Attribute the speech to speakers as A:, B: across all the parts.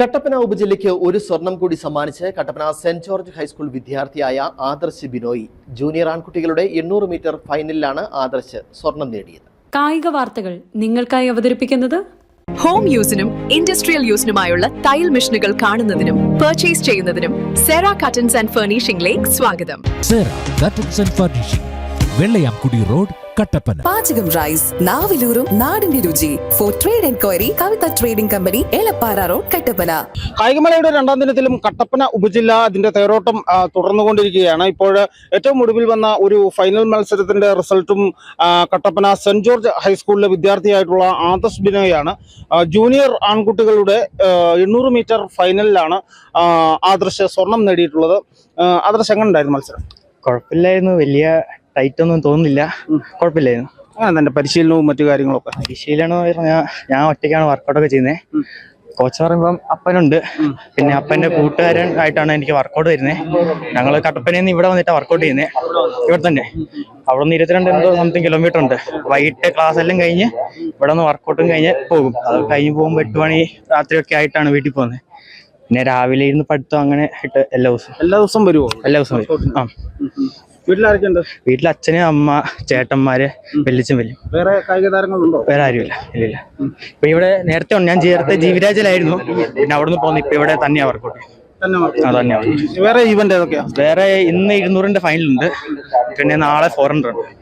A: കട്ടപ്പന ഉപജില്ലയ്ക്ക് ഒരു സ്വർണം കൂടി സമ്മാനിച്ച് കട്ടപ്പന സെന്റ് ജോർജ് ഹൈസ്കൂൾ വിദ്യാർത്ഥിയായ ആദർശ് ബിനോയ് ജൂനിയർ ആൺകുട്ടികളുടെ 800 മീറ്റർ ഫൈനലിലാണ് ആദർശ് സ്വർണം നേടിയത്.
B: കായിക വാർത്തകൾ നിങ്ങൾക്കായി അവതരിപ്പിക്കുന്നത്
C: ഹോം യൂസിനും ഇൻഡസ്ട്രിയൽ യൂസിനുമായുള്ള തയ്യൽ മെഷീനുകൾ കാണുന്നതിനും പർച്ചേസ് ചെയ്യുന്നതിനും സെറ കട്ടൻസ് ആൻഡ് ഫർണിഷിംഗിലേക്ക് സ്വാഗതം.
D: Sera curtains and furnishing, Vellayamkudi road, Kattappana.
E: പാചകം റൈസ്, നാവിലൂറും നാടിന്റെ രുചി. For trade enquiry Kavitha trading company, Elappara road, Kattappana.
F: കായികമേളയുടെ രണ്ടാം ദിനത്തിലും കട്ടപ്പന ഉപജില്ല അതിന്റെ തേരോട്ടം തുടർന്നുകൊണ്ടിരിക്കുകയാണ്. ഇപ്പോൾ ഏറ്റവും ഒടുവിൽ വന്ന ഒരു ഫൈനൽ മത്സരത്തിന്റെ റിസൾട്ടും കട്ടപ്പന സെന്റ് ജോർജ് ഹൈസ്കൂളിലെ വിദ്യാർത്ഥിയായിട്ടുള്ള ആദർശ് ബിനോയാണ്. ജൂനിയർ ആൺകുട്ടികളുടെ 800 മീറ്റർ ഫൈനലിലാണ് ആദർശ് സ്വർണം നേടിയിട്ടുള്ളത്. ആദർശ് എങ്ങനെ ഉണ്ടായിരുന്നു മത്സരം?
G: കുഴപ്പമില്ലായിരുന്നു, വലിയ ടൈറ്റ് ഒന്നും തോന്നുന്നില്ല, കുഴപ്പമില്ലായിരുന്നു.
F: അങ്ങനെ തന്നെ പരിശീലനവും മറ്റു കാര്യങ്ങളൊക്കെ?
G: പരിശീലനം പറഞ്ഞാൽ ഞാൻ ഒറ്റയ്ക്കാണ് വർക്കൗട്ടൊക്കെ ചെയ്യുന്നത്. കോച്ച് പറയുമ്പം അപ്പനുണ്ട്, പിന്നെ അപ്പന്റെ കൂട്ടുകാരൻ ആയിട്ടാണ് എനിക്ക് വർക്കൗട്ട് വരുന്നത്. ഞങ്ങൾ കട്ടപ്പനയിൽ നിന്ന് ഇവിടെ വന്നിട്ടാണ് വർക്കൗട്ട് ചെയ്യുന്നത്, ഇവിടെ തന്നെ. അവിടെ നിന്ന് 22 സംതിങ് കിലോമീറ്റർ ഉണ്ട്. വൈകിട്ട് ക്ലാസ് എല്ലാം കഴിഞ്ഞ് ഇവിടെ നിന്ന് വർക്കൗട്ടും കഴിഞ്ഞ് പോകും. അത് കഴിഞ്ഞ് പോകുമ്പോൾ 8 മണി രാത്രിയൊക്കെ ആയിട്ടാണ് വീട്ടിൽ പോകുന്നത്. പിന്നെ രാവിലെ ഇരുന്ന് പഠിത്തം അങ്ങനെ ഇട്ട് എല്ലാ ദിവസവും വരുമോ? എല്ലാ ദിവസവും വരും. ആ,
F: വീട്ടിലാരൊക്കെയുണ്ട്?
G: വീട്ടിൽ അച്ഛന്, അമ്മ, ചേട്ടന്മാര്, വെല്ലിച്ചും വലിയ.
F: വേറെ കായിക താരങ്ങളുണ്ടോ?
G: വേറെ ആരുമില്ല, ഇല്ല. ഇപ്പൊ ഇവിടെ നേരത്തെ ഞാൻ ചേർത്ത് ജീവിരാജിലായിരുന്നു, പിന്നെ അവിടെ നിന്ന് പോകുന്നു. ഇപ്പൊ ഇവിടെ തന്നെയാ വർക്കൗട്ട്.
F: വേറെ ഈവന്റ് ഏതൊക്കെയാ?
G: വേറെ ഇന്ന് 200ന്റെ ഫൈനലുണ്ട്, പിന്നെ നാളെ 400 ഉണ്ട്.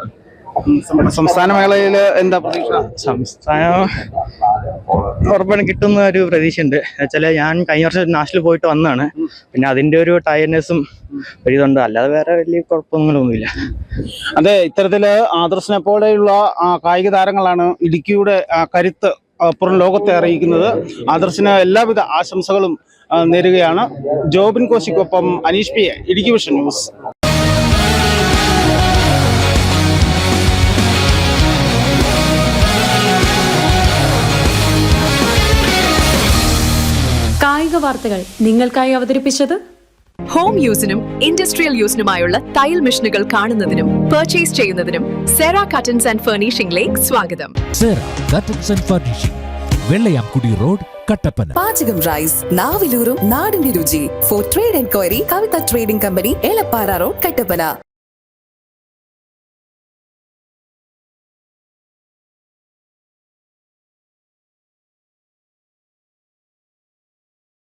F: സംസ്ഥാന മേളയില് എന്താ പ്രതീക്ഷ?
G: സംസ്ഥാനം ഉറപ്പാണ് കിട്ടുന്ന ഒരു പ്രതീക്ഷ ഉണ്ട്. എന്നുവെച്ചാല് ഞാൻ കഴിഞ്ഞ വർഷം നാഷണൽ പോയിട്ട് വന്നതാണ്, പിന്നെ അതിന്റെ ഒരു ടയർനെസ്സും ഒരു ഇതുണ്ട്. അല്ലാതെ വേറെ വലിയ കുഴപ്പമൊന്നുമില്ല.
F: അതെ, ഇത്തരത്തില് ആദർശിനെ പോലെയുള്ള കായിക താരങ്ങളാണ് ഇടുക്കിയുടെ കരുത്ത് പുറം ലോകത്തെ അറിയിക്കുന്നത്. ആദർശിന് എല്ലാവിധ ആശംസകളും നേരുകയാണ്. ജോബിൻ കോശിക്കൊപ്പം Aneesh P, Idukki vision news.
B: കായിക വാർത്തകൾ നിങ്ങൾക്കായി അവതരിപ്പിച്ചത്
C: ഹോം യൂസിനും ഇൻഡസ്ട്രിയൽ യൂസിനുമായുള്ള തയ്യൽ മെഷീനുകൾ കാണുന്നതിനും പർച്ചേസ് ചെയ്യുന്നതിനും സെറ കട്ടൻസ് ആൻഡ് ഫർണിഷിംഗിലേക്ക് സ്വാഗതം.
D: Sera curtains and furnishing, Vellayamkudi road, Kattappana.
E: പാചകം റൈസ്, നാവിലൂറും നാടിന്റെ രുചി. For trade enquiry Kavitha trading company, Elappara road, Kattappana.